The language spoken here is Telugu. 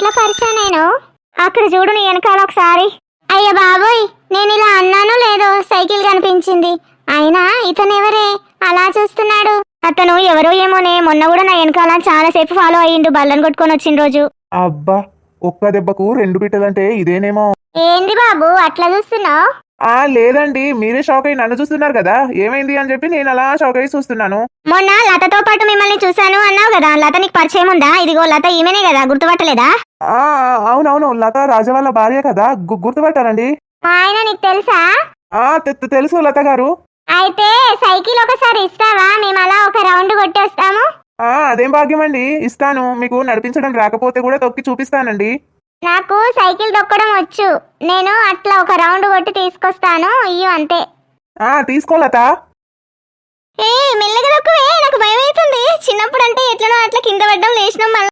చాలా పరిచయం నేను. అక్కడ చూడు నీ వెనకాల ఒకసారి. అయ్య బాబోయ్, నేను ఇలా అన్నానో లేదో సైకిల్ కనిపించింది. అయినా ఇతనెవరే అలా చూస్తున్నాడు? అతను ఎవరో ఏమోనే, మొన్న కూడా నా వెనకాల చాలా సేపు ఫాలో అయ్యిండు బల్లని కొట్టుకొని వచ్చిన రోజు. అబ్బా, ఒక్క దెబ్బకు 2 బిడ్డలంటే ఇదేనేమో. ఏంది బాబు అట్లా చూస్తున్నావు? లేదండి, మీరే షాక్ అయ్యి నన్ను చూస్తున్నారు కదా, ఏమైంది అని చెప్పి నేను అలా షాక్ అయ్యి చూస్తున్నాను. మొన్న లతతో పాటు మిమ్మల్ని చూశాను అన్నావు కదా, లత నీకు పరిచయం ఉందా? ఇదిగో లత ఈమెనే కదా, గుర్తుపట్టలేదా? అవునవును, లత రాజా వాళ్ళ భార్య కదా, గుర్తుపట్టానండి. మా ఆయన నీకు తెలుసా? తెలుసు లత గారు. అయితే సైకిల్ ఒకసారి ఇస్తావా? మేము అలా ఒక రౌండ్ కొట్టేస్తాము. అదేం భాగ్యం అండి, ఇస్తాను. మీకు నడిపించడం రాకపోతే కూడా తొక్కి చూపిస్తానండి. నాకు సైకిల్ తొక్కడం వచ్చు, నేను అట్లా ఒక రౌండ్ కొట్టి తీసుకొస్తాను, ఇయ్యు అంతే. తీసుకో లత. మెల్లగా తొక్కువే, నాకు భయం అవుతుంది. చిన్నప్పుడు అంటే ఎట్లనో అట్లా కింద పడ్డం లేచినాం.